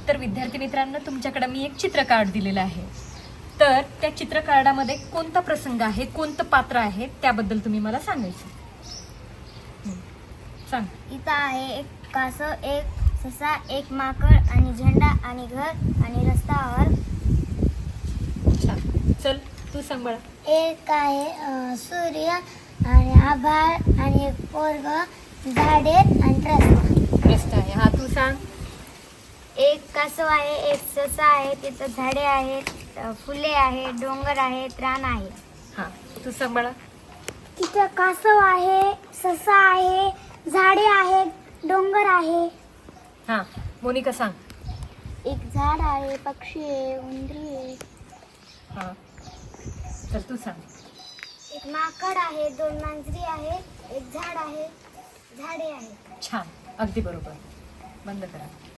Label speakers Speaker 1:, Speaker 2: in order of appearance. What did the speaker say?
Speaker 1: तर विद्यार्थी मित्रांनो, तुमच्याकडे मी एक चित्र कार्ड दिलेलं आहे. तर त्या चित्र कार्डामध्ये कोणता प्रसंग आहे, कोणतं पात्र आहे त्याबद्दल तुम्ही मला सांगायचं. सांग.
Speaker 2: इथं आहे एक कासव, एक ससा, एक माकड आणि झेंडा आणि घर आणि रस्त्यावर.
Speaker 1: छान. चल तू सांग बाळा.
Speaker 2: एक आहे सूर्य आणि आभाळ आणि एक पोरग, झाडे आणि रस्ता.
Speaker 1: रस्ता आहे. हा तू सांग.
Speaker 2: एक कासव आहे, एक ससा आहे, तिथं झाडे आहेत, फुले आहेत, डोंगर आहेत, रान आहे.
Speaker 1: हा तू सांग बाळा.
Speaker 2: तिथं कासव आहे, ससा आहे, झाडे आहेत, डोंगर आहे.
Speaker 1: हा मोनिका सांग.
Speaker 2: एक झाड आहे, पक्षी आहे, उंदरी आहे.
Speaker 1: हा तर तू सांग.
Speaker 2: एक माकड आहे, दोन मांजरी आहेत, एक झाड आहे, झाडे आहेत.
Speaker 1: छान. अगदी बरोबर. बंद करा.